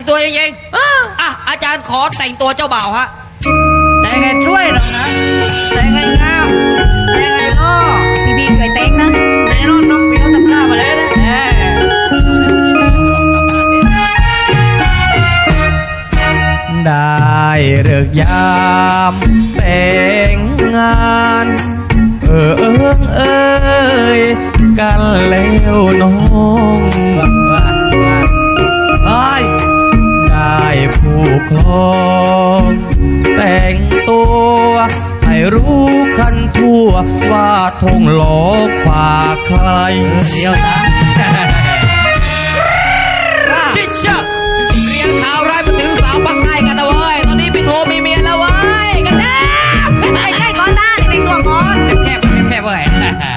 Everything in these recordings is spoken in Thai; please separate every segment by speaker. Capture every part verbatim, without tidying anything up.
Speaker 1: ตัวจริงๆอ่ะอาจารย์ขอแต่งตัวเจ้าบ่าวฮะ
Speaker 2: แต่ไงช่วยหรอกนะแต่ไงงามแต่ไงล่อพี่บีช่วยแต่งนะแต่รถน้องพี่เขาทำหน้ามาเลยนะได้เลิกยามแต่งงานเออเอิงเอ้ยกันแล้วน้องได้ผู้ครองแต่งตัวให้รู้กันทั่วว่าทงหลอกฝากใครเดียวนะ
Speaker 1: ชิชะเรียงข่าวร้ายมาถึงสาวปักใต้กันนะเว้ยตอนนี้พี่โทมีเมียแล้วเว้ยกันนะ
Speaker 2: ไม่ใช่ก่อนได้ในตัวก่อน
Speaker 1: แคบแคบเว้ย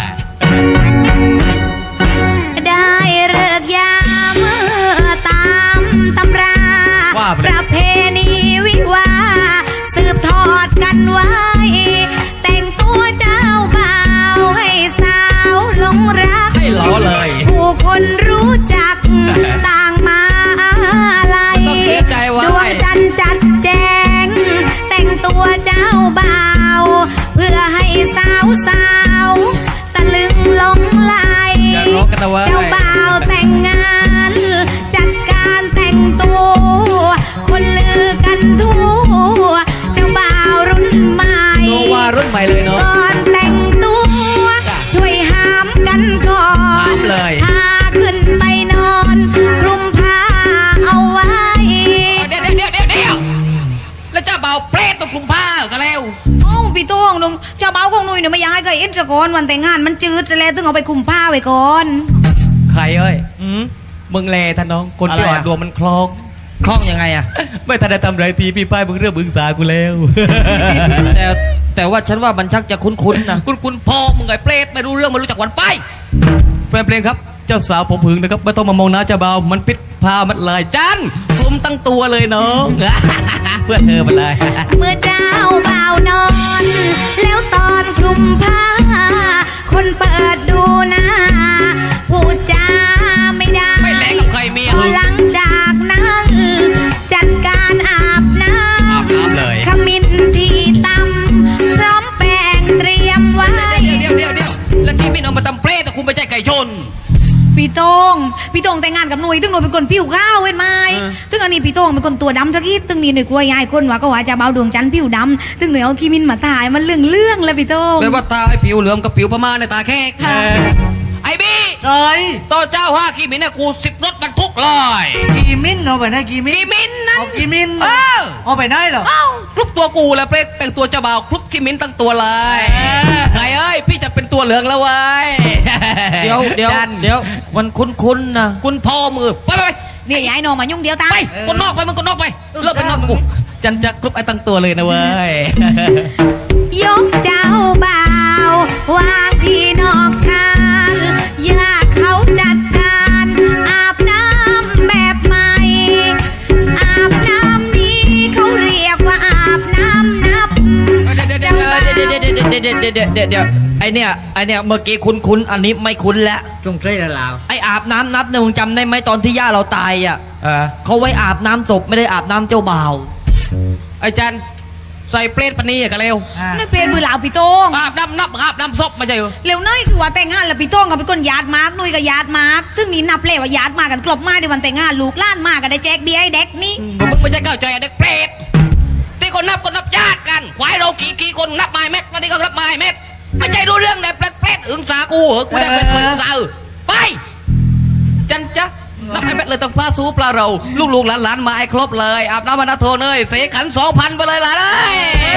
Speaker 2: ได้เลิกยามตามตำราประเพณีวิวาสืบทอดกันไว้แต่งตัวเจ้าบ่าวให้สาวหลงรัก
Speaker 1: ให้ล้อเลย
Speaker 2: ผู้คนรู้จักต่างมาลัยดวงจันทร์จัดแจงแต่งตัวเจ้าบ่าวเพื่อให้สาวสาวตะลึงหลงไหลเจ้าบ่าวแต่งงานจัดการแต่งตัวคนลือกันทั่วเจ้าบ่าวรุ่นใหม่
Speaker 1: โนวารุ่นใหม่เลยเนาะ
Speaker 2: ก่อนแต่งตัวช่วยห้ามกันก่อนพาขึ้นไปนอนคลุมผ้าเอาไว้
Speaker 1: เดี๋ยวเดี๋ยวเดี๋ยวเดี๋ยวแล้วเจ้าบ่าวเปรตต้องคลุมผ้ากันแล้ว
Speaker 2: โอ้พี่โต้งลุงเจ้าบ่าวของหนุ่ยเนี่ยไม่อยากให้ใครเอ็นจะก่อนวันแต่งงานมันจืดจะแล้วต้องเอาไปคลุมผ้าไว้ก่อน
Speaker 1: ใครเอ้ยมึงแลท่านน้องคนที่อ่อนดวงมันคล้องคล้องยังไงอ่ะไม่ทันได้ทำไรทีพี่ป้ายมึงเรื่องมึงสากูแล้วแต่แต่ว่าฉันว่ามันชักจะคุ้นๆนะคุ้นๆพอมึงไงเปรตไม่รู้เรื่องไม่รู้จักวันไปแฟนเพลงครับเจ้าสาวผมผึ่งนะครับไม่ต้องมามองหน้าเจ้าบ่าวมันปิดผ้ามันเลยจันคลุมตั้งตัวเลยน้องเพื่อเธอมาเลย
Speaker 2: เมื่อเจ้าบ่าวนอนแล้วตอนคลุมผ้าคนเปิดดูหน้าพูดจาไม่ได้
Speaker 1: ไม่แลกกับใครเมีย
Speaker 2: หลังจากนั้นจัดการอาบน้ำขมิ้นที่ตำพร้อมแป้งเตรียมไว้
Speaker 1: เดี๋ยวเดี๋ยวเดี๋ยวเดี๋ยวแล้วที่พี่น้องมาตำเปรตแต่คุณไม่ใช่ไก่ชน
Speaker 2: พี่โต้งพี่โต้งแต่งงานกับหนุ่ยตึงหนุ่ยเป็นคนผิวขาวเว้นไหมตึงอันนี้พี่โต้งเป็นคนตัวดำทักทีตึงนี่หนุ่ยกลัวยายคนว่าก็ว่าจะเบาดวงจันทร์ผิวดำตึงหนุ่ยเอาขี้มินมาถ่ายมันเรื่องเรื่องแล้วพี่โต้ง
Speaker 1: เป็นว่าตาไอ้ผิวเหลืองกับผิวพม่าในตาแขกไอ้บี้
Speaker 3: เอ้ย
Speaker 1: ต่อเจ้าห้ากีมินเนี่ยกูสิบรถบรรทุกเลย
Speaker 3: กีมินเอาไปไหนกีมิน
Speaker 1: กีมินนั่น
Speaker 3: กีมิน
Speaker 1: เออ
Speaker 3: เอาไปไหนเหรอ
Speaker 1: คลุกตัวกูแล้วเปรตแต่งตัวเจ้าบ่าวคลุกกีมินตั้งตัวเลยไงเอ้ยพี่จะเป็นตัวเหลืองแล้วเว้ย
Speaker 3: เดี๋ยวเดี๋ยวเดี๋ยวมันคุ้นๆนะ
Speaker 1: คุณพ่อมือไปไป
Speaker 2: เนี่ยย้ายน้องมายุ่งเดียวตา
Speaker 1: ไปคนนอกไปมึงคนนอกไปเลิกเป็นนอกกูจันจะคลุกไอ้ตั้งตัวเลยนะเว้ย
Speaker 2: ยกเจ้าบ่าววางที่นอกชานญาติเขาจัดการอาบน้ำแบบใหม่อาบน้ำนี้เขาเรียกว่าอาบน้ำนับ
Speaker 3: เดี๋ยวเดี๋ยวเดี๋ยวเดี๋ยวเดี๋ยวเดี๋ยวเดี๋ยวไอเนี้ยไอเนี้ยเมื่อกี้คุ้นคุ้นอันนี้ไม่คุ้นแล้ว
Speaker 1: จงใช่แล้ว
Speaker 3: ไออาบน้ำนับเนี่ยมึงจำได้ไหมตอนที่ย่าเราตายอ่ะเขาไว้อาบน้ำศพไม่ได้อาบน้ำเจ้าบ่าว
Speaker 1: ไอจันใส่เปรตปนีกันเร็ว
Speaker 2: นี่เปรตมือเหลาพี่โต้ง
Speaker 1: อาบน้ำนับอาบน้ำศพมาใจ
Speaker 2: เร็วน้อยคือว่าแต่งงานแล้วพี่โต้งกับเป็นคนญาติมากนุ้ยกับญาติมากซึ่งนี่นับเลยว่าญาติมากันกลบมาในวันแต่งงานลูกล้านมากันได้แจกเบียร์ให้เด็กนี่
Speaker 1: มึงไม่ใช่เข้าใจเด็กเปรตที่คนนับคนนับญาติกันควายเรากี่กี่คนนับไม้เม็ดวันนี้ก็นับไม้เม็ดไม่ใช่รู้เรื่องเด็กเปรตอึ้งสากูเหรอกูได้เป็นอึ้งสาไปจันจ๊ะนับไอ้เม็ดเลยต้องปลาซูปลาเราลูกลูกหลานหลานมาไอ้ครบเลยอาบน้ำมานาโทเนยเสกขันสองพันไปเลยล่ะเลย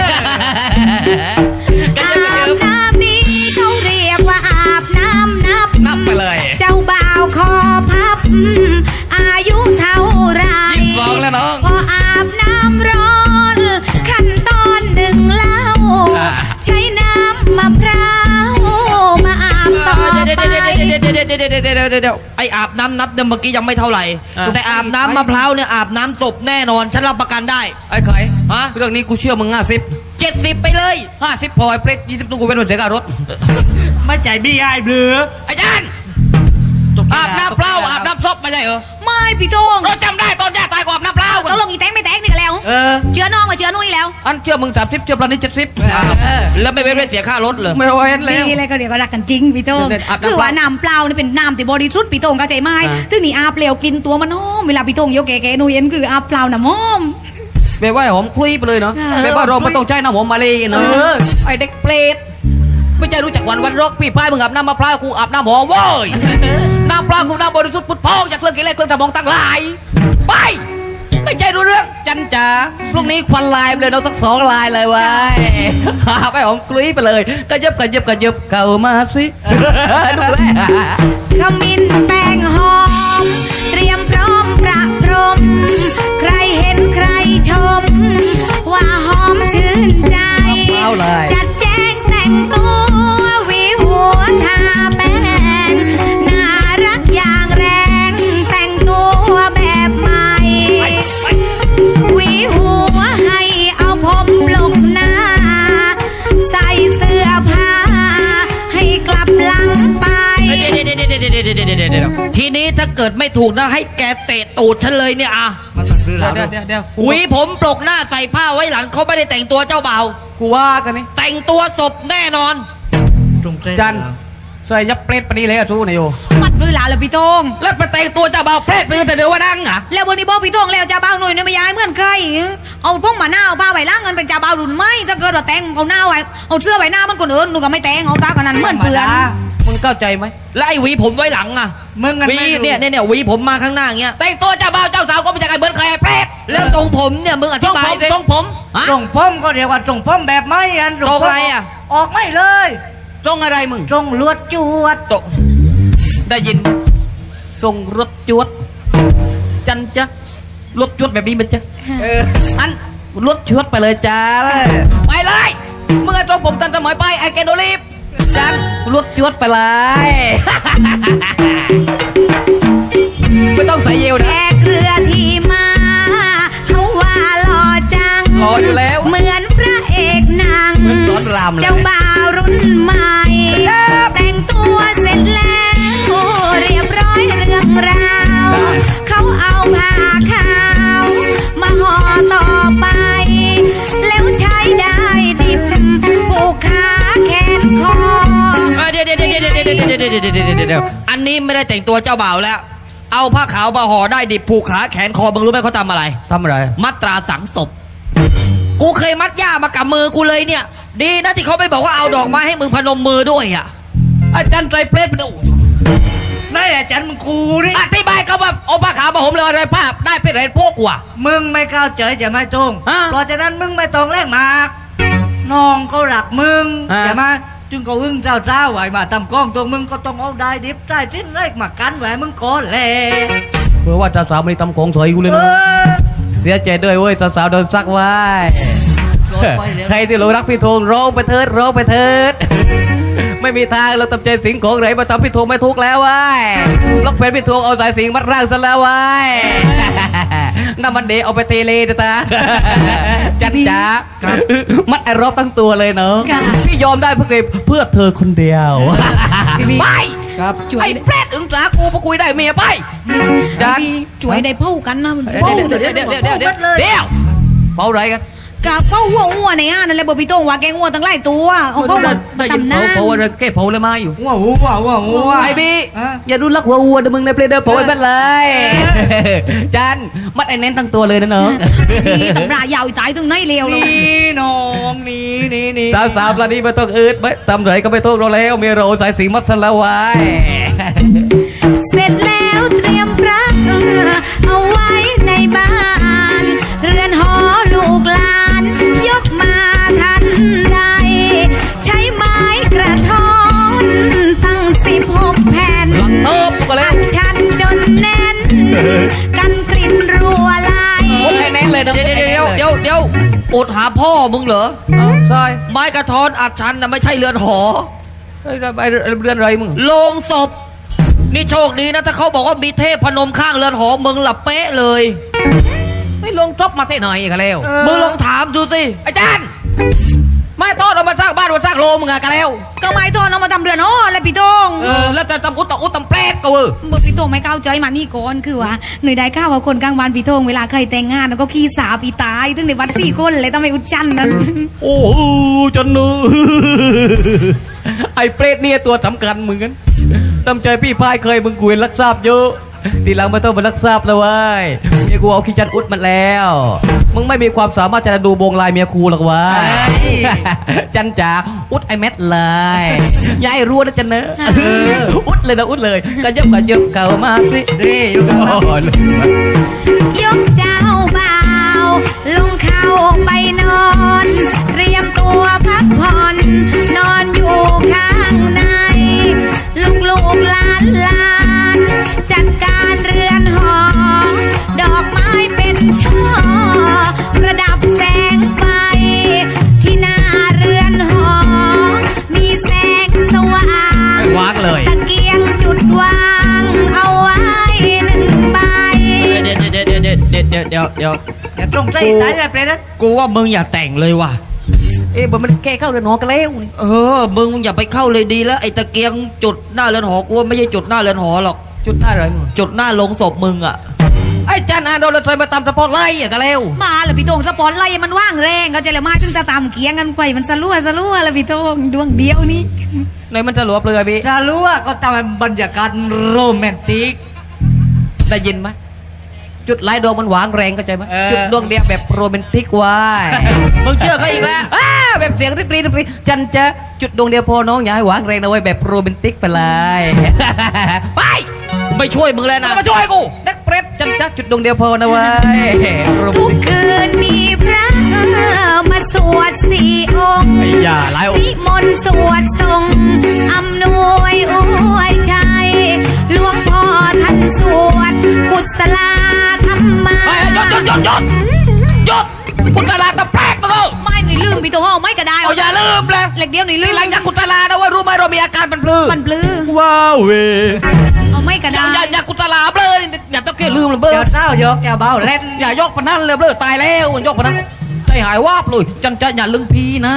Speaker 2: อาบน้ำนี้เขาเรียกว่าอาบน้ำนับ
Speaker 1: นับไปเลย
Speaker 2: เจ้าบ่าวคอพับอายุเท่าไร
Speaker 1: ยี่สิบสองแล้วน้อง
Speaker 2: พออาบน้ำร้อนขั้นตอนหนึ่งเล่าใช้น้ำมะพร้าวมาอาบต่อไป
Speaker 3: เดี๋ยวเดี๋ยวเดี๋ยวเดี๋ยวเดี๋ยวเดี๋ยวเดี๋ยวไออาบน้ำนับเมื่อกี้ยังไม่เท่าไหร่แต่อาบน้ำมะพร้าวเนี่ยอาบน้ำศพแน่นอนฉันรับประกันได้
Speaker 1: ไอ้ไข่ฮะเรื่องนี้กูเชื่อมึงห้าสิบ
Speaker 3: เจ็ดสิบไปเลย
Speaker 1: ห้าสิบพอไอ้เปรตยี่สิบตู้กูเป็นคนเสียการรถ
Speaker 3: ไม่ใจบี้ไอ้เบือ
Speaker 1: ไอ้จันอาบน้ำเปล่าอาบน้ำศพไม่ใช่เหรอ
Speaker 2: ไม่พี่โต้ง
Speaker 1: เราจำได้ตอนย่าตายก็อาบน้ำเปล่า
Speaker 2: มาเชื่อนุ้ยแล้ว
Speaker 1: อันเชื่อมึงสามสิบเชื่อปลานี้เจ็ดสิบ
Speaker 3: แล้วไม่เว้นไม่เสียค่ารถเลย
Speaker 1: ไม่เว้นแล้ว
Speaker 2: นี่เลยก็เดี๋ยวก็รักกันจริงพี่โต้ง
Speaker 1: เดี๋ยวๆอาบน้ำ
Speaker 2: คือว่าน้ำเปล่านี่เป็นน้ำที่บริสุทธิ์พี่โต้งเข้าใจไหม
Speaker 1: อ่า
Speaker 2: ซึ่งนี่อาบเปลวกลินตัวมันหอมเวลาพี่โต้งยกแก่ๆนุ้ยเอ็นคืออาบเปล่าน้ำหอม
Speaker 1: แบบว่าหอมคลุยไปเลยเนาะ
Speaker 2: เออ
Speaker 1: แบบว่าเราไม่ต้องใช้น้ำหอมมาเลยเนาะ
Speaker 3: เออ
Speaker 1: ไอเด็กเปรตไม่ใช่รู้จักวันวันรกพี่พายมึงอาบน้ำมะพร้าวกูอาบน้ำหอมเว้ยน้ำเปล่ากูน้ำบริสุทธิ์พุทธพองจากเครื่องกิเลสเครื่องสมองตั้งหลายไปไม่ใช่รู้เรื่องจันจ๋าพรุ่งนี้ควันลายไปเลยเราสักสองลายเลยเว้ยไปหอมคลุยไปเลยกระยับกระยับกระยับเข้ามาสิดูแล
Speaker 2: ขมิ้นแป้งหอม เตรียมพร้อมประพรม ใครเห็นใครชม ว่าหอมชื่นใจ
Speaker 1: เอาเลย
Speaker 2: จัดแจงแต่งตัวหวีหัวทาแป้งน่ารักอย่างแรง แต่งตัวแบบใหม่หวีหัวให้เอาผมลงหน้า ใส่เสื้อผ้า ให้กลับหลังไป
Speaker 3: ทีนี้ถ้าเกิดไม่ถูกนะให้แกเตะตูดฉันเลยเนี่ยอ่ะ
Speaker 1: มันต้องซื้อแล้วเดี๋ยวเดี๋ยวเดี๋ยว
Speaker 3: หวีผมปลกหน้าใส่ผ้าไว้หลังเขาไม่ได้แต่งตัวเจ้าบ่าว
Speaker 1: กูว่ากันนี่
Speaker 3: แต่งตัวศพแน่นอน
Speaker 1: จันใส่ยับเปรตปนีเลยอะสู้นายโย
Speaker 2: มัดมือหลาเลยพี่โต้ง
Speaker 1: แล้วไปแต่งตัวเจ้าบ่าวเปรตไปแต่เดี๋ยวว่านั่งอ่ะ
Speaker 2: แล้ววันนี้บอกพี่โต้งแล้วจะเบาหน่อยเนี่ยไม่ย้ายเหมือนเคยเอาพวกหมาหน้าเอาผ้าใบล่างเงินเป็นจ่าเบารุ่นไหมถ้าเกิดว่าแต่งเอาหน้าไว้เอาเสื้อไว้หน้ามันคนอื่นหนูก็ไม่แต่งเอาตากันนั้นเหมือนเพื่อน
Speaker 1: มึงเข้าใจไหม
Speaker 3: แล้วไอ้หวีผมไว้หลังอ่ะ
Speaker 4: มึงกัน
Speaker 3: หวี
Speaker 4: ไม่รู้
Speaker 3: เนี่ยเนี่ยเนี่ยหวีผมมาข้างหน้าอย่างเงี้ย
Speaker 1: แต่งตัวเจ้าบ่าวเจ้าสาวก็ไม่ใช่ใครเหมือนใครเปรต
Speaker 3: แล้วทรงผมเนี่ยมึงอ
Speaker 1: ตร
Speaker 3: ธิ
Speaker 1: ง
Speaker 3: บา
Speaker 1: ผ
Speaker 3: ย
Speaker 1: ม
Speaker 3: สิ
Speaker 1: ตรงผมฮะ
Speaker 4: ส่งพ่มก็เรียกว่าส่งพ่มแบบไม่อัน
Speaker 3: ทรงอะไรอ่ะ
Speaker 4: ออกไม่เลย
Speaker 1: ตรงอะไรมึง
Speaker 4: ส่งลวดจวด
Speaker 1: ตรงได้ยินส่งรถจวด จันจ๊ะรถจวดแบบนี้มันจะ
Speaker 4: เออ
Speaker 1: อันรถจวดไปเลยจ้าไปเลยมึงไอ้ตรงผมตันสมัยไปไอ้แกโดรีบจันรถจวดไปเลย ไม่ต้องใส่เยล
Speaker 2: แข
Speaker 1: นะ
Speaker 2: กเรือที่มาเขาว่าหล่อจัง
Speaker 1: หล่ออยู่แล้ว
Speaker 2: เหมือนพระเอกหนัง
Speaker 1: เหมือนสอนรามเลย
Speaker 2: เจ้าบ่าวรุ่นใหม่ แต่งตัวเสร็จแล้วเรียบร้อยเรื่องราวเขาเอาผ้าขาวมาห่อต่อไป แล้วใช้ได้ดิบผูกขาแขนคอ
Speaker 3: เอ้ยเดี๋ยวเดี๋ยวเดี๋ยวเดี๋ยวเดี๋ยวเดี๋ยวเดี๋ยวเดี๋ยวเดี๋ยวเดี๋ยวเดี๋ยวอันนี้ไม่ได้แต่งตัวเจ้าบ่าวแล้ว เอาผ้าขาวมาห่อได้ดิบผูกขาแขนคอมึงรู้ไหมเขาทำอะไร
Speaker 1: ทำอะไร
Speaker 3: มัดตราสังศพ กูเคยมัดย่ามากับมือกูเลยเนี่ย ดีนะที่เขาไม่บอกว่าเอาดอกไม้ให้มึงพนมมือด้วยอ่ะ
Speaker 1: อาจารย์ใจเปรตไปดู
Speaker 4: นั่นแหละจันมึงกูนี่
Speaker 1: อธิบายเขาว่าเอาผ้าขาวมาห่มเลยอะไรผ้าได้เป็นไรพวกกูอะ
Speaker 4: มึงไม่เข้าใจจะไม่ตรง
Speaker 1: ฮะ
Speaker 4: เพราะฉะนั้นมึงไม่ต้องแลกมากน้องก็รักมึง
Speaker 1: ฮะ
Speaker 4: ใช่ไหมจึงก็อึ้งเจ้าเจ้าไหวมาทำกล้องตัวมึงก็ต้องเอาได้ดิบได้สิ้นแรกมากันไหวมึงก่อนแหละ
Speaker 1: เพื่อว่าสาวๆไม่ได้ทำของสวยกูเลย
Speaker 4: เอ
Speaker 1: นะ
Speaker 4: อ
Speaker 1: เสียใจด้วยเว้ยสาวๆโดนซักไว้
Speaker 4: โดนไปแล้ว
Speaker 1: ใครที่หลงรักพี่ธงร้องไปเถิดร้องไปเถิด ไม่มีทางเราตำใจสิงของไหนมาทำพี่ธงไม่ทุกข์แล้วเว้ยล็อกเพนพี่ธงเอาสายสิงมัดร่างซะแล้วเว้ย น้ำมันเดเอาไปเตเลนะตา จันจ๋ามัดไอ้รอบตั้งตัวเลยเนาะ
Speaker 2: ค่ะ
Speaker 1: พี่ยอมได้เพื่อเพื่อเธอคนเดียว ไป
Speaker 4: ครับ
Speaker 2: ช่วย
Speaker 1: ไอ้เปรตอึ้งสากูมาคุยได้เมียไปจัน
Speaker 2: พี่ช่วยได้เผากันนะ
Speaker 1: เดี๋ยวเดี๋ยวเดี๋ยวเดี๋ยวเดี๋ยวเดี๋ยวเดี๋ยวเผาอะไรกัน
Speaker 2: กะเผาหัวอ้วนในอ่านนั่นแหละบอกพี่โต้งว่าแกงอ้วนตั้งหลายตัวเอาเผามา
Speaker 1: ได้ยิน
Speaker 2: ทำหน้า
Speaker 1: เผาเผาอะไรแค่เผาเลยมาอยู่
Speaker 4: ว้าวว้าวว้าวว้าว
Speaker 1: ไอ้บี้
Speaker 4: ฮะ
Speaker 1: อย่าดูลักหัววัวเดี๋ยวมึงในเพลเดอร์เผาไอ้เบ็ดเลย จันมัดไอ้เน้นตั้งตัวเลยนะน้อง
Speaker 2: นี่ตำรายาวอีตายตึงไหนเลวเลย
Speaker 4: นี่น้องนี่นี่นี่
Speaker 1: สาวสาวปลานี้ไม่ต้องอืดไม่ทำไรก็ไม่ต้องเราแล้วเมียเราสายสีมัดสละไว้
Speaker 2: เสร็จแล้วเตรียมพระเอาไว้ในบ้าน เรือนหอลูกหลาน ยกมาทันใด ใช้ไม้กระท้อนตั้งสิบหกแผ่น
Speaker 1: เติบก็เลย
Speaker 2: อัดชันจนแน่น กันกลิ่นรัวไหล
Speaker 1: คนไอ้เน้นเลยนะ
Speaker 3: เดี๋ยวเดี๋ยวเดี๋ยวเดี๋ยวอดหาพ่อมึงเหรอ
Speaker 1: เอาซอย
Speaker 3: ไม้กระท้อนอัดชันนะไม่ใช่เรือนหอ
Speaker 1: เฮ้ยไอ้เรือนอะไรมึง
Speaker 3: โลงศพ นี่โชคดีนะถ้าเขาบอกว่ามีเทพพนมข้างเรือนหอมึงหลับเป๊ะเลย
Speaker 1: ไม่ลงจบมาเท่หน่อยกันแล้ว
Speaker 3: มึงลองถามดูสิ
Speaker 1: อาจารย์
Speaker 3: ไม่ต้อนเอามาสร้างบ้านมาสร้างโลมึงอะกันแล้ว
Speaker 2: ก็ไม่โทษเอามาทำเรือนอ๋อเลยพี่โตง
Speaker 3: เออแล้วจะทำอุตตะอุตตำแปลดก็เออ
Speaker 2: เมื่อพี่โตงไม่เข้าใจมานี่ก่อนคือว่าหน่วยได้ข้าวว่าคนกลางวันพี่โตงเวลาใครแต่งงานแล้วก็ขี้สาพี่ตายตั้งในวัดสี่คนเลยต้องไปอุจจันนั้น
Speaker 3: โอ้โหจนเนื้อไอ้เปรตเนี่ยตัวสำคัญมึงกันตำใจพี่พายเคยมึงกุยรักทราบเยอะทีหลังไม่ต้องมารักทราบแล้วเว้ยเมียกูเอาขี้จันอุดมันแล้วมึงไม่มีความสามารถจะดูบงลายเมียกูหรอกวะจันจ๋าอุดไอเม็ดเลยยายรัวนะจันเนอะอุดเลยนะอุดเลยกระเยิบกระเยิบเก่ามาสินี่อยู่กัน
Speaker 2: ยกเจ้าบ่าวลงเข้าไปนอน เตรียมตัวพักผ่อนนอนอยู่ข้างในลูกลูกหลานหลานจัดการเรือนหอ ดอกไม้เป็นช่อประดับแสงไฟ ที่หน้าเรือนหอ มีแสงสว่าง
Speaker 3: วางเลย
Speaker 2: ตะเกียงจุดวางเอาไว้หนึ่งใบ
Speaker 3: เดี๋ยวเดี๋ยวเดี๋ยวเดี๋ยวเดี๋ยวเดี๋ยวเดี๋ยวเดี๋ยว
Speaker 4: อย่าตรงใจสายเลยเปรตนะ
Speaker 3: กูว่ามึงอย่าแต่งเลยว่ะ
Speaker 1: เอ๊ะมันแก้เข้าเรือนหอกันแล้วนี่
Speaker 3: เออ มึงอย่าไปเข้าเลยดีแล้วไอ้ตะเกียงจุดหน้าเรือนหอกูว่าไม่ใช่จุดหน้าเรือนหอหรอก
Speaker 1: จุดได้เลยมึง
Speaker 3: จุดหน้าลงศพมึงอ่ะ
Speaker 1: ไอ้จันอาโดนเราเคยมาตามสปอร์ตไลท์อ่ะกันแล้ว
Speaker 2: มาแล้วพี่โตงสปอนไล่มันว่างแรงก็จะเลยมาถึงจะตามเกียงกันไปมันสลัวสลัวแล้วพี่โตงดวงเดียวนี่
Speaker 1: ในมันจะหลวบเลยพี่
Speaker 4: จะรู้ว่าก็ทำบรรยากาศโรแมนติก
Speaker 1: ได้ยินไหมจุดไลท์ดวงมันหวางแรงเข้าใจไหม
Speaker 4: เออ
Speaker 1: จุดดวงเดียวแบบโรแมนติกไว้
Speaker 3: มึงเชื่อเขาอีกแล้ว
Speaker 1: อ้าแบบเสียงริบรีริบรีจันจะจุดดวงเดียวพอน้องอย่าให้หวางแรงนะเว้ยแบบโรแมนติกไปเลย ไป
Speaker 3: ไม่ช่วยมึงแล้วนะ
Speaker 1: มาช่วยกูนักเปรตจันจะจุดดวงเดียวพอนะเว้ยโรแม
Speaker 2: ทุ
Speaker 1: น
Speaker 2: ก
Speaker 1: ติก
Speaker 2: คืนมีพระมาสวดสี่องค์
Speaker 1: ไอ้ยาหลายองค์
Speaker 2: นิมนต์สวดทรงอำนวยอวยชัยหลวงพ่อท่านสวดกุศลาธรรมา
Speaker 3: เฮ้ยหยุดหยุดหยุดหยุดหยุดกุตลาตะแปลกตัว
Speaker 2: ไม่หนูลืมพี่โตงไม่ก็ได้
Speaker 3: เอาอย่าลืมเลย
Speaker 2: เหล็กเดียวหนูลื
Speaker 3: นี่
Speaker 2: ม
Speaker 3: หลังจากกุตลานะเว่ารู้ไหมเรามีอาการเป็นปลื้
Speaker 2: มันปลื้อ
Speaker 3: ว้าวเว้ย
Speaker 2: เอาไม่ก็
Speaker 3: อย่า
Speaker 2: ได้
Speaker 3: อย่าอย่ากุตลาเบลอนี่อย่าต้องแค่ลืมเลยเบล
Speaker 4: เดี๋
Speaker 3: อ
Speaker 4: ยวเศร้ายกแกเบาเล่น
Speaker 3: อย่ายกปนนั้นเลยเบลอตายแล้วมันยกปนนั้นใจหายวาบเลยจันจะอย่าลืมพี่นะ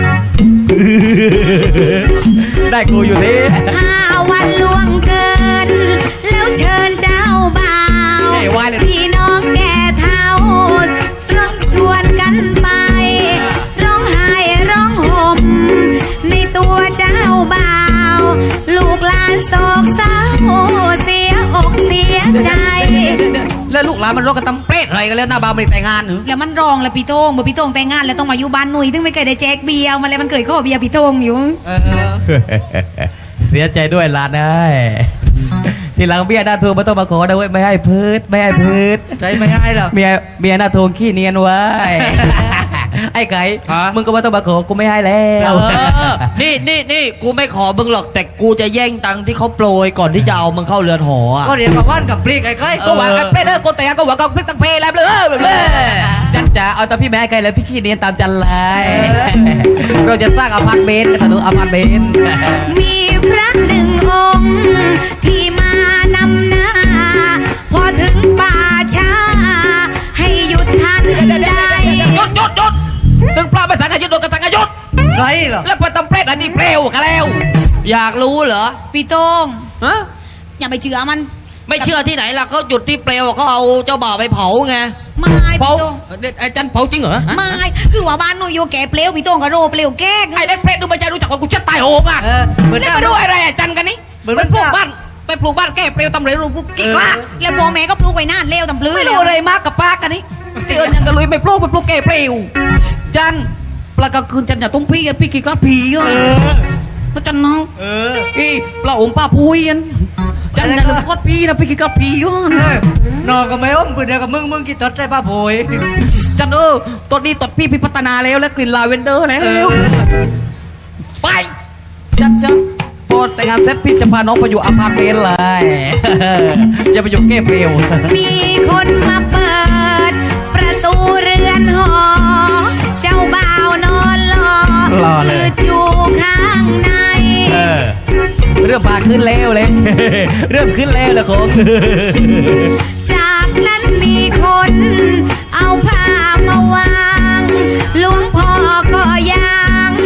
Speaker 1: ได้กูอยู่นี่
Speaker 2: ห้าวันล่วงเกิน แล้วเชิญเจ้าบ่าว
Speaker 1: เอ้ยว่าเลย
Speaker 2: พี่น้องแก่เท่าร้องชวนกันไป ร้องไห้ร้องห่มในตัวเจ้าบ่าว ลูกหลานโศกเศร้าเสียอกเสียใจ
Speaker 1: แล้วลูกหลานมันรกกันตำเปรตอะไรกันแล้วหน้าบ้านไม่ได้แต่งงานหรือ
Speaker 2: แล้วมันรองแล้วพี่โต้งเมื่อพี่โต้งแต่งงานแล้วต้องมาอยู่บ้านหนุ่ยถึงไม่เคยได้แจกเบียร์มาแล้วมันเคยข้อเบียร์พี่โต้งอยู่
Speaker 4: เออ
Speaker 1: เสียใจด้วยหลานเอ้ยทีหลังเมียหน้าทวงไม่ต้องมาขอนะเว้ยไม่ให้พืชไม่ให้พืช
Speaker 4: ใจไม่ให้หรอก
Speaker 1: เมียเมียหน้าทวงขี้เนียนไว้ ไอ้ไก่
Speaker 3: ฮะ
Speaker 1: มึงก็ไม่ต้องมาขอกูไม่ให้แล้
Speaker 3: เอ
Speaker 1: ว
Speaker 3: อนี่นี่นี่กูไม่ขอมึงหรอกแต่กูจะแย่งตังค์ที่เขาโปรยก่อนที่จะเอามึงเข้าเรือนหออ่ะ
Speaker 4: ก็เรียนมาว่านกับปลีกใกล้ๆ
Speaker 1: ก็หวังกันเป็นเออคนแต่งงานก็หวังกับพริกตั้งเพแล้วเลยแบบเลยจันจ๋าเอาแต่พี่แม่ไกลเลยพี่ขี้เนียนตามจันเลยเราจะสร้างอพาร์ตเมนต์กันถนนอพาร์ตเมนต์
Speaker 2: มีพระหนึ่งองค์ที่มานำหน้า พอถึงป่าช้า ให้หยุดทันใด
Speaker 3: หยุดหยุดหยุดถึงปลาไปสังกยุดโดนกระสังกยุด
Speaker 4: ไรเหรอ
Speaker 3: แล้วไปตำเปรตอันนี้เปลวกันแล้ว อยากรู้เหรอ
Speaker 2: พี่โต้ง
Speaker 3: ฮะ
Speaker 2: อย่าไปเชื่อมัน
Speaker 3: ไม่เชื่อที่ไหนล่ะเขาจุดที่เปลวเขาเอาเจ้าบ่าวไปเผาไง
Speaker 2: ไม่
Speaker 3: เผา
Speaker 2: พี่โต้ง
Speaker 3: ไอ้จันเผาจริงเหรอ
Speaker 2: ไม่คือว่าบ้านหนูอยู่แก่เปลวพี่โต้งก็โรเปลวแก้
Speaker 3: ไอ้เด็กเปรตดูไม่ใจรู้จักคนกูจะตายโหงอ่ะ
Speaker 4: เออเหมือน
Speaker 3: นี่
Speaker 4: หน้า
Speaker 3: มาดูอะไรอ่ะจันกันนี่
Speaker 4: เหมือน
Speaker 3: ไป
Speaker 4: มัน
Speaker 3: ปลูกบ้านไปปลูกบ้านแก้เปลวตำเหลวปลูกกี่กล้า
Speaker 2: แล้วพ่อแม่ก็ปลูกไว้นานเร็วตำปลื้อ
Speaker 3: ไม่
Speaker 2: แล้
Speaker 3: รู้
Speaker 2: ว
Speaker 3: อะไรมากกับป้ากันนี่เตือนยังกันเลยไม่ปลูกไปปลูกแก้เปลวจันปลากลางคืนจันอย่าต้องพี่กันพี่กี่กล้าผีอ่ะ
Speaker 4: เออ
Speaker 3: แล้วจันน้อง
Speaker 4: เออ
Speaker 3: อีปลาองค์ป้าพุยกันจันอย่าลืมกอดพี่นะพี่กี่กล้าผีอ่ะ
Speaker 4: เออนอนกับไม่อ้อมปืนเดียวกับมึงมึงกี่ตดใจป้าโผย
Speaker 3: จันเออตอนนี้ตดพี่พี่พัฒนาแล้วและกลิ่นลาเวนเดอร์แล้ว
Speaker 4: เออ
Speaker 3: ไปจันจันพอแต่งงานเสร็จพี่จะพาน้องไปอยู่อพาร์ตเมนต์เลย อย่าไปอยู่แก้เปลว
Speaker 2: มีคนมาเปิด ประตูเรือนหอ เจ้าบ่าวนอนรอ
Speaker 1: รอเลย
Speaker 2: ยืดอยู่ข้างใน
Speaker 1: เออเริ่มมาขึ้นแล้วเลย เริ่มขึ้นแล้วละของ
Speaker 2: จากนั้นมีคนเอาผ้ามาวาง หลวงพ่อก็ยาง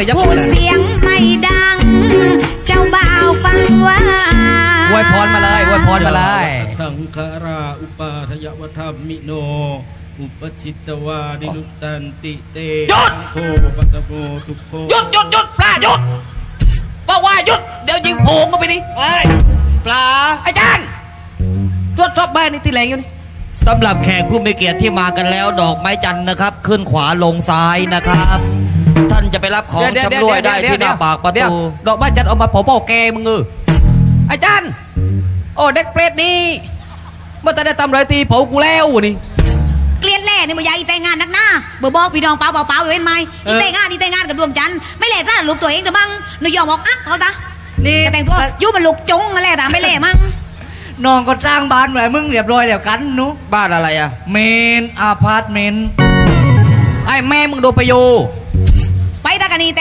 Speaker 3: เลยยับ
Speaker 2: พูดเสียงไม่ดัง เจ้าบ่าวฟังว่า
Speaker 3: อวยพรมาเลยอวยพรมาเลย
Speaker 5: สังขาราอุปาทยวธรรมิโน อุปชิตวานิรุตตันติเต
Speaker 3: หยุด
Speaker 5: โคปัตโมทุกโค
Speaker 3: หยุดหยุดหยุดปลาหยุดบอกว่าหยุดเดี๋ยวยิงโผงก็ไปดิ
Speaker 1: เฮ้ยปลา
Speaker 3: อาจารย์ตรวจสอบบ้านนี่ตีแรงอยู่นี่
Speaker 1: สำหรับแขกผู้มีเกียรติที่มากันแล้ว ดอกไม้จันทร์นะครับ ขึ้นขวาลงซ้ายนะครับ ท่านจะไปรับของชำร่วยได้ที่หน้าปากประ
Speaker 3: เดี๋ยว
Speaker 1: ตู
Speaker 3: ดอกบ้านจันเอามาเผาเป้าแกมึงเอออาจารย์ โอ้เด็กเปรตนี่เมื่อแต่ได้ทำไรตีเผากูแล้วนี่
Speaker 2: เกลียดแล่นี่มันยายอีแต่งงานนักหน้าเบอร์บอกพี่น้องเปล่าเปล่าเปล่าอยู่เห็นไหมอีแต่งงานอีแต่งงานกับดวงจันทร์ไม่แล่จ้าลูกตัวเองจะบ้างนายยอมบอกอักเขาตา
Speaker 4: นี่
Speaker 2: จะแต่งตัวยุ่มันลูกจงอะไรแต่ไม่แล่มั้ง
Speaker 4: น้องก็สร้างบ้านไว้มึงเรียบร้อยแล้วกันหนุ
Speaker 1: บ้านอะไรอ่ะ
Speaker 4: เมนอาพาร์ตเมนต์
Speaker 3: ไอ้แม่มึงโดนไปโย
Speaker 2: ไปตากันนี่